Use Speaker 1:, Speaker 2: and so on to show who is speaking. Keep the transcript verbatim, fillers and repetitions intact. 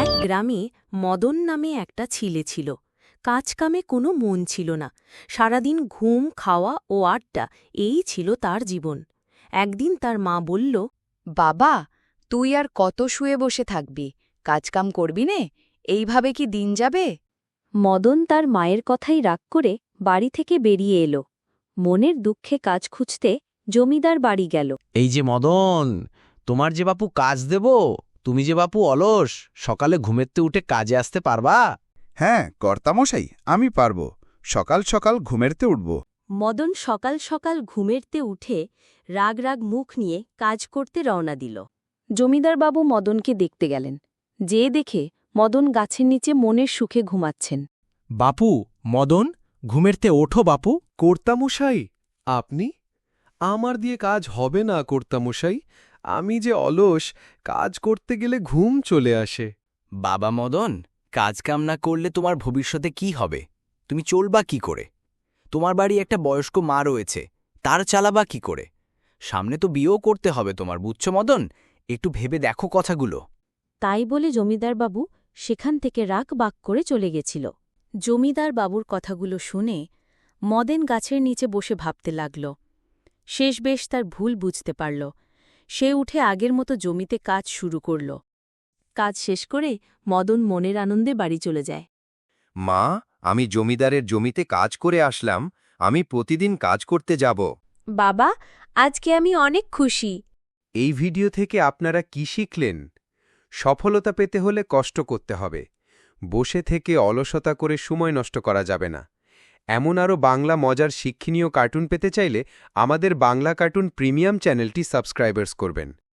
Speaker 1: এক গ্রামে মদন নামে একটা ছেলে ছিল। কাজকামে কোনো মন ছিল না। সারাদিন ঘুম, খাওয়া ও আড্ডা, এই ছিল তার জীবন। একদিন তার মা বলল,
Speaker 2: বাবা, তুই আর কত শুয়ে বসে থাকবি? কাজকাম করবি নে? এইভাবে কি দিন যাবে?
Speaker 1: মদন তার মায়ের কথাই রাগ করে বাড়ি থেকে বেরিয়ে এলো। মনের দুঃখে কাজ খুঁজতে জমিদার বাড়ি গেল।
Speaker 3: এই যে মদন, তোমার যে বাপু কাজ দেব, তুমি যে বাপু অলস, সকালে ঘুমেতে উঠে কাজে আসতে পারবা?
Speaker 4: হ্যাঁ কর্তামশাই, আমি পারব। সকাল সকাল ঘুমেরতে উঠব।
Speaker 1: মদন সকাল সকাল ঘুমেরতে উঠে রাগ রাগ মুখ নিয়ে কাজ করতে রওনা দিল। জমিদারবাবু মদনকে দেখতে গেলেন। যে দেখে মদন গাছের নিচে মনের সুখে ঘুমাচ্ছেন।
Speaker 3: বাপু, মদন, ঘুমেরতে ওঠো বাপু।
Speaker 5: কর্তামশাই, আপনি? আমার দিয়ে কাজ হবে না কর্তামশাই। আমি যে অলস, কাজ করতে গেলে ঘুম চলে আসে।
Speaker 6: বাবা মদন, কাজকাম না করলে তোমার ভবিষ্যতে কি হবে? তুমি চলবা কি করে? তোমার বাড়ি একটা বয়স্ক মা রয়েছে, তার চালাবা কি করে? সামনে তো বিয়েও করতে হবে তোমার, বুঝছো মদন? একটু ভেবে দেখো কথাগুলো।
Speaker 1: তাই বলে জমিদারবাবু সেখান থেকে রাগ বাক করে চলে গেছিল। জমিদার বাবুর কথাগুলো শুনে মদেন গাছের নিচে বসে ভাবতে লাগল। শেষ বেশ তার ভুল বুঝতে পারল। সে উঠে আগের মতো জমিতে কাজ শুরু করল। কাজ শেষ করে মদন মনের আনন্দে বাড়ি চলে যায়।
Speaker 7: মা, আমি জমিদারের জমিতে কাজ করে আসলাম। আমি প্রতিদিন কাজ করতে যাব।
Speaker 1: বাবা, আজকে আমি অনেক খুশি।
Speaker 5: এই ভিডিও থেকে আপনারা কি শিখলেন? সফলতা পেতে হলে কষ্ট করতে হবে। বসে থেকে অলসতা করে সময় নষ্ট করা যাবে না। এমন আরও বাংলা মজার শিক্ষণীয় কার্টুন পেতে চাইলে আমাদের বাংলা কার্টুন প্রিমিয়াম চ্যানেলটি সাবস্ক্রাইবার্স করবেন।